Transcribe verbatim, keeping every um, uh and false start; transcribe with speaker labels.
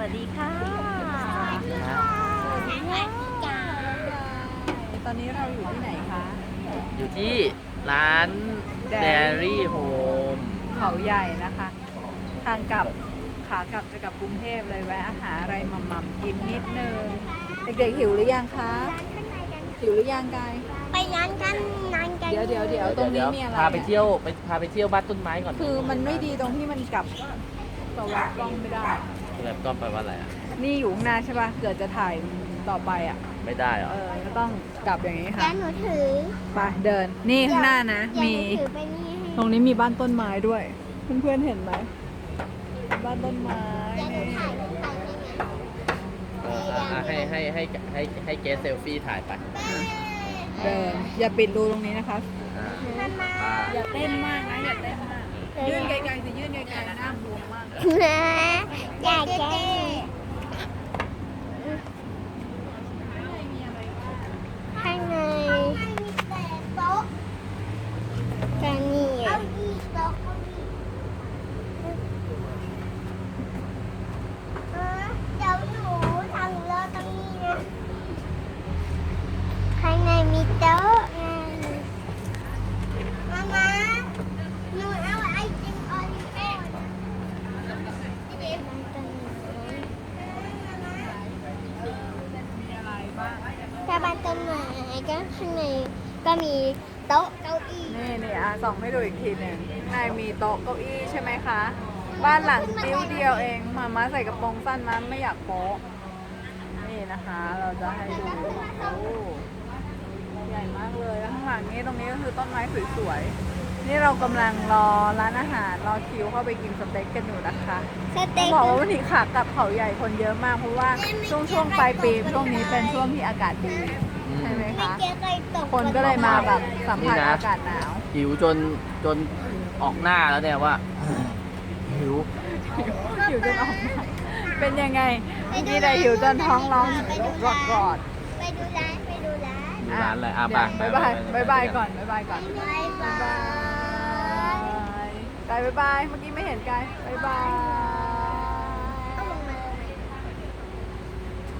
Speaker 1: วัสดีค่ะตอนนี้เราอยู่ที่ไหนคะ
Speaker 2: อยู่ที่ร้าน Dairy Home
Speaker 1: เขาใหญ่นะคะ ทางกลับขากลับจะกลับกรุงเทพเลยแวะหาอะไรหม่ำๆกินนิดนึง เด็กๆหิวหรือยังคะ หิวหรือยังกาย
Speaker 3: ไปร้านกันร้านกัน
Speaker 1: เดี๋ยวเดี๋ยวเดี๋ยวตรงนี้มีอะไร
Speaker 2: พาไปเที่ยวไปพาไปเที่ยวบ้านต้นไม้ก่อน
Speaker 1: คือมันไม่ดีตรงที่มันกลับสวัสดกล้องไม่ได้
Speaker 2: แบบก็แปลว่าอะไรอ่ะ
Speaker 1: นี่อยู่ข้างหน้าใช่ป่ะ เกิดจะถ่ายต่อไปอ่ะ
Speaker 2: ไม่ได้เหรอ
Speaker 1: เออก็ต้องกลับอย่างนี้
Speaker 3: แล้
Speaker 1: ค่ะ
Speaker 3: วหนูถือ
Speaker 1: ไปเดิน นี่ข้างหน้านะ
Speaker 3: เดี๋ยว
Speaker 1: มี
Speaker 3: หนูถือไปนี่ให้
Speaker 1: ตรงนี้มีบ้านต้นไม้ด้วย เพื่อนๆเห็นไหม บ้านต้นไม้
Speaker 3: เดี๋ยวหนู
Speaker 1: นี่
Speaker 3: ถ่ายรูปไปนี่ไง
Speaker 2: เอออ่ะให้ให้ให้ให้ให้เกสเซลฟี่ถ่ายไป
Speaker 1: เดิน อย่าปิดรูตรงนี้นะคะ
Speaker 2: อ่า
Speaker 3: มามา
Speaker 2: อ่า
Speaker 1: อย่าเต้นมากนะ อย่าเต้นมาก ยื่นไกลๆสิยื่นไกลๆหน้าบวมมาก
Speaker 3: อยากแก้ข้างในโต๊ะแต่นี่อ่ะเดี๋ยวหนูทำรถตรงนี้นะข้างในมีโต๊ะไงมามาหนูเอาไอติมโอรีโอ้ถ้าบ้านต้นไม้ก็ข้างในก็มีโต๊ะเก้าอี้
Speaker 1: นี่นี่อ่ะส่องให้ดูอีกทีหนึ่งข้างในมีโต๊ะเก้าอี้ใช่ไหมคะ บ้านหลังจิ้วเดียวเอง มาม่าใส่กระโปรงสั้นนะไม่อยากโป๊ะ นี่นะคะ เราจะให้ดูโอ้ใหญ่มากเลยแล้วข้างหลังนี้ตรงนี้ก็คือต้นไม้สวยๆ นี่เรากำลังรอร้านอาหารรอคิวเข้าไปกินสเต็กกันอยู่นะคะ
Speaker 3: ส
Speaker 1: ต้อ
Speaker 3: เต็
Speaker 1: ง
Speaker 3: ก
Speaker 1: บอกว่าวันนี้ขากลับเขาใหญ่คนเยอะมาก เพราะว่าช่วงช่วงปลายปีช่วงนี้เป็นช่วงที่อากาศดีใช่ไหมคะ
Speaker 3: เจ๊เคยตก
Speaker 1: คนก็เลยมาแบบสัมผัสอากาศหนาว
Speaker 2: หิวจนจนออกหน้าแล้วเนี่ยว่า หิว
Speaker 1: หิวจนออกมาเป็นยังไงมีแต่หิวจนท้องร้องรอดรอด
Speaker 3: ไปดูร้านไปดูร้าน
Speaker 2: ดูร้านอะไรอ่ะ
Speaker 1: เดี๋ยว
Speaker 2: ไป
Speaker 1: บายบาย
Speaker 2: ไป
Speaker 1: บายบาย
Speaker 2: ไป
Speaker 1: ก่อนบายบายก่อน
Speaker 3: บายบาย
Speaker 1: บายกายบายบายเมื่อกี้ไม่เห็นกายบายบาย